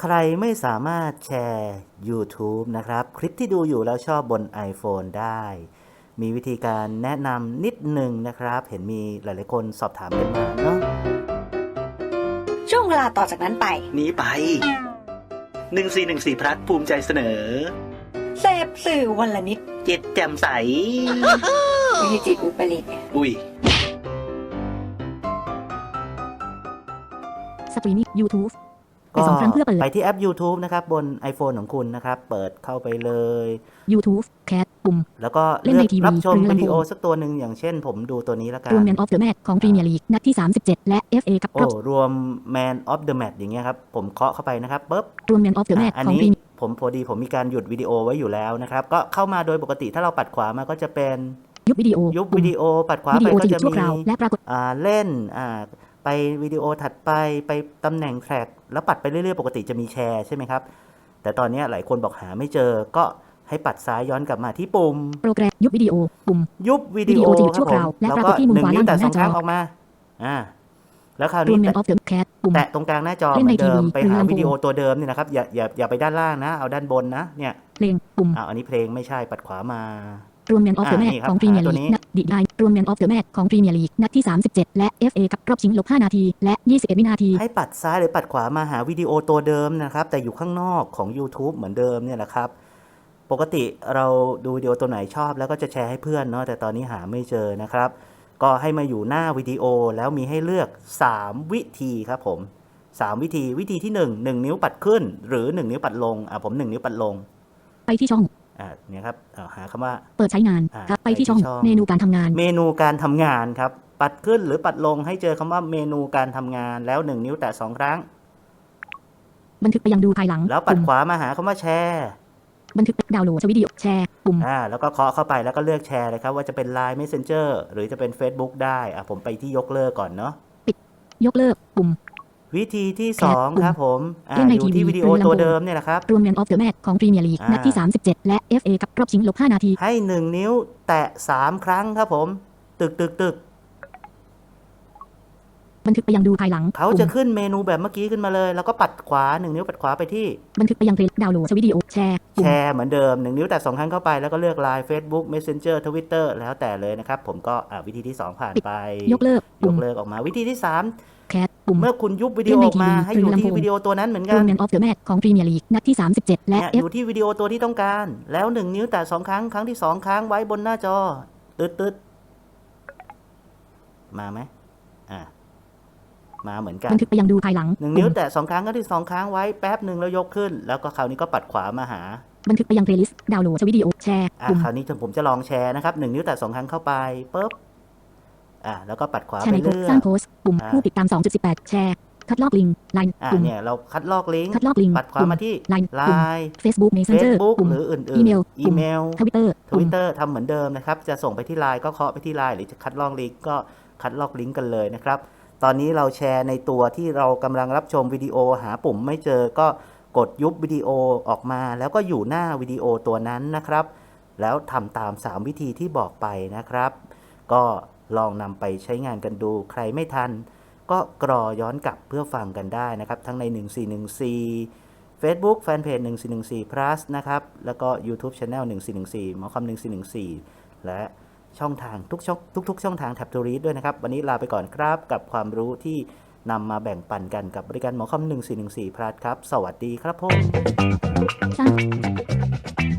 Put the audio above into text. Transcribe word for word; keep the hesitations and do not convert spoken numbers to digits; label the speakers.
Speaker 1: ใครไม่สามารถแชร์ YouTube นะครับคลิปที่ดูอยู่แล้วชอบบน iPhone ได้ มีวิธีการแนะนำนิดหนึ่งนะครับเห็นมีหลายๆคนสอบถามกันมาเนาะ
Speaker 2: ช่วงเวลาต่อจากนั้นไป
Speaker 1: นี้ไปหนึ่งสี่หนึ่งสี่พลัสภูมิใจเสนอ
Speaker 2: เสพสื่อวันละนิด
Speaker 1: จิตแจ่มใส
Speaker 2: ไม่ใช่จิตอุปริต
Speaker 1: อุ้ย
Speaker 3: สตรีมมิ่ง YouTube
Speaker 1: ก็ไปที่แอป YouTube นะครับบน iPhone ของคุณนะครับเปิดเข้าไปเลย
Speaker 3: YouTube Cat ปุ่ม
Speaker 1: แล้วก็เลือกรับชมวิดีโอสักตัวหนึ่งอย่างเช่นผมดูตัวนี้แล้วกัน
Speaker 3: รวม Man of the Match ของ Premier League นัดที่สามสิบเจ็ดและ เอฟ เอ กับ
Speaker 1: โอ้รวม Man of the Match อย่างเงี้ยครับผมเคาะเข้าไปนะครับปึ๊บ
Speaker 3: รวม Man of the Match ของ Premier
Speaker 1: ผมพอดีผมมีการหยุดวิดีโอไว้อยู่แล้วนะครับก็เข้ามาโดยปกติถ้าเราปัดขวามาก็จะเป็น
Speaker 3: ยุบวิดีโอ
Speaker 1: ยุบวิดีโอปัดขวาไปก็จะมี
Speaker 3: และปรากฏ
Speaker 1: อ่าเล่นอ่าไปวิดีโอถัดไปไปตำแหน่งแทร็กแล้วปัดไปเรื่อยๆปกติจะมีแชร์ใช่ไหมครับแต่ตอนนี้หลายคนบอกหาไม่เจอก็ให้ปัดซ้ายย้อนกลับมาที่ปุ่ม
Speaker 3: โปรแกรมยุบวิดีโอปุ่ม
Speaker 1: ยุบวิดีโอครับผมแล้วก็หนึ่งนิ้วแต่สองครั้งออกมาอ่าแล้วคราวนี้แตะตรงกลางหน้าจอเหมือนเดิมไปหาวิดีโอตัวเดิมนี่นะครับอย่าอย่าอย่าไปด้านล่างนะเอาด้านบนนะเนี่ย
Speaker 3: เพลงปุ่ม
Speaker 1: อ่าอันนี้เพลงไม่ใช่ปัดขวาม
Speaker 3: ารวม Man of the Match ของ Premier League นัดดีได้รวม Man of the Match ของ Premier League นัดที่สามสิบเจ็ดและ เอฟ เอ กับรอบชิงลบห้านาทีและยี่สิบเอ็ดวินาที
Speaker 1: ให้ปัดซ้ายหรือปัดขวามาหาวิดีโอตัวเดิมนะครับแต่อยู่ข้างนอกของ YouTube เหมือนเดิมเนี่ยแหละครับปกติเราดูวิดีโอตัวไหนชอบแล้วก็จะแชร์ให้เพื่อนเนาะแต่ตอนนี้หาไม่เจอนะครับก็ให้มาอยู่หน้าวิดีโอแล้วมีให้เลือกสามวิธีครับผมสามวิธีวิธีที่หนึ่ง หนึ่งนิ้วปัดขึ้นหรือหนึ่งนิ้วปัดลงอ่ะผมหนึ่งนิ้วปัดลง
Speaker 3: ไปที่ช่อง
Speaker 1: อ่าเนี่ยครับหาคำว่า
Speaker 3: เปิดใช้งานครับไปที่ช่องเมนูการทำงาน
Speaker 1: เมนูการทำงานครับปัดขึ้นหรือปัดลงให้เจอคำว่าเมนูการทำงานแล้วหนึ่งนิ้วแตะสองครั้ง
Speaker 3: บันทึกไปยังดูภายหลัง
Speaker 1: แล้วปัดขวามาหาคำว่าแชร์
Speaker 3: บันทึกดาวน์โหลดวิดีโอแชร์ปุ่ม
Speaker 1: อ่าแล้วก็เคาะเข้าไปแล้วก็เลือกแชร์เลยครับว่าจะเป็น ไลน์ Messenger หรือจะเป็น Facebook ได้อ่ะผมไปที่ยกเลิกก่อนเนาะ
Speaker 3: ปิดยกเลิกปุ่ม
Speaker 1: วิธีที่สองครับผมอ่าอยู่ที่วิดีโอตัวเดิมเนี่ยนะครับ
Speaker 3: รวม Man of the Match ของ Premier League นัดที่สามสิบเจ็ดและ เอฟ เอ กับรอบชิงลบห้านาที
Speaker 1: ให้หนึ่งนิ้วแตะสามครั้งครับผมตึกตึกตึก
Speaker 3: บันทึกไปยังดูภายหลัง
Speaker 1: เขาจะขึ้นเมนูแบบเมื่อกี้ขึ้นมาเลยแล้วก็ปัดขวาหนึ่งนิ้วปัดขวาไปที่
Speaker 3: บันทึกไปยังเพลงดาวน์โหลดวิดีโอแชร์
Speaker 1: แชร์เหมือนเดิมหนึ่งนิ้วแตะสองครั้งเข้าไปแล้วก็เลือก ไลน์ Facebook Messenger Twitter แล้วแต่เลยนะครับผมก็อ่าวิธีที่สองผ่านไป
Speaker 3: ยกเลิก
Speaker 1: ยกเลิกออกมาวิธีที่สาม
Speaker 3: แคทปุ่ม
Speaker 1: เมื่อคุณยุบวิดีโอออกมาให้อยู่ที่วิดีโอตัวนั้นเหมือนกัน
Speaker 3: Man of the Match ของ Premier League นัดที่สามสิบเจ็ดและ
Speaker 1: อยู่ที่วิดีโอตัวที่ต้องการแล้วหนึ่งนิ้วแตะสองครั้งครั้งที่สองค้างไว้บนหน้าจอตึ๊ดตึ๊ดมาไหมอ่ามาเหมือนกัน
Speaker 3: บันทึกไปยังดูภายหลัง
Speaker 1: หนึ่งนิ้วแตะสองครั้งครั้งที่สองค้างไว้แป๊บหนึ่งแล้วยกขึ้นแล้วก็คราวนี้ก็ปัดขวามาหา
Speaker 3: บันทึกไปยังเพลย์ลิสต์ดาวน์โหลดวิดีโอแชร์
Speaker 1: อ่าคราวนี้ผมจะลองแชร์นะครับหนึ่งนิ้วแตะสองครั้งเข้าไปปุ๊บอ่าแล้วก็ปัดขวาไปเรื่อย
Speaker 3: สร้างโพสต์ปุ่มผู้ติดตาม สองจุดสิบแปด แชร์คัดลอกลิงก์ไลน์
Speaker 1: ปุ่มเนี่ยเราคัดลอกลิงก์
Speaker 3: คัดลอกลิงก์
Speaker 1: ปัดขวามาที่
Speaker 3: ไลน์
Speaker 1: ไลน์
Speaker 3: Facebook Messenger
Speaker 1: หรืออื่นๆ
Speaker 3: อีเมล
Speaker 1: อีเมล
Speaker 3: Twitter
Speaker 1: Twitter ทำเหมือนเดิมนะครับจะส่งไปที่ ไลน์ ก็เคาะไปที่ ไลน์ หรือจะคัดลอกลิงก์ก็คัดลอกลิงก์กันเลยนะครับตอนนี้เราแชร์ในตัวที่เรากำลังรับชมวิดีโอหาปุ่มไม่เจอก็กดยุบวิดีโอออกมาแล้วก็อยู่หน้าวิดีโอตัวนั้นนะครับแล้วทำตามสามวิธีที่บอกไปนะครับก็ลองนำไปใช้งานกันดูใครไม่ทันก็กรอย้อนกลับเพื่อฟังกันได้นะครับทั้งในหนึ่งสี่หนึ่งสี่ Facebook Fanpage หนึ่งสี่หนึ่งสี่ plus นะครับแล้วก็ YouTube Channel หนึ่งสี่หนึ่งสี่หมอคำหนึ่งสี่หนึ่งสี่และช่องทางทุกช่องทุกๆช่องทางแท็บทูรีดด้วยนะครับวันนี้ลาไปก่อนครับกับความรู้ที่นำมาแบ่งปันกันกับบริการหมอคอมหนึ่งสี่หนึ่งสี่พลัสครับสวัสดีครับผม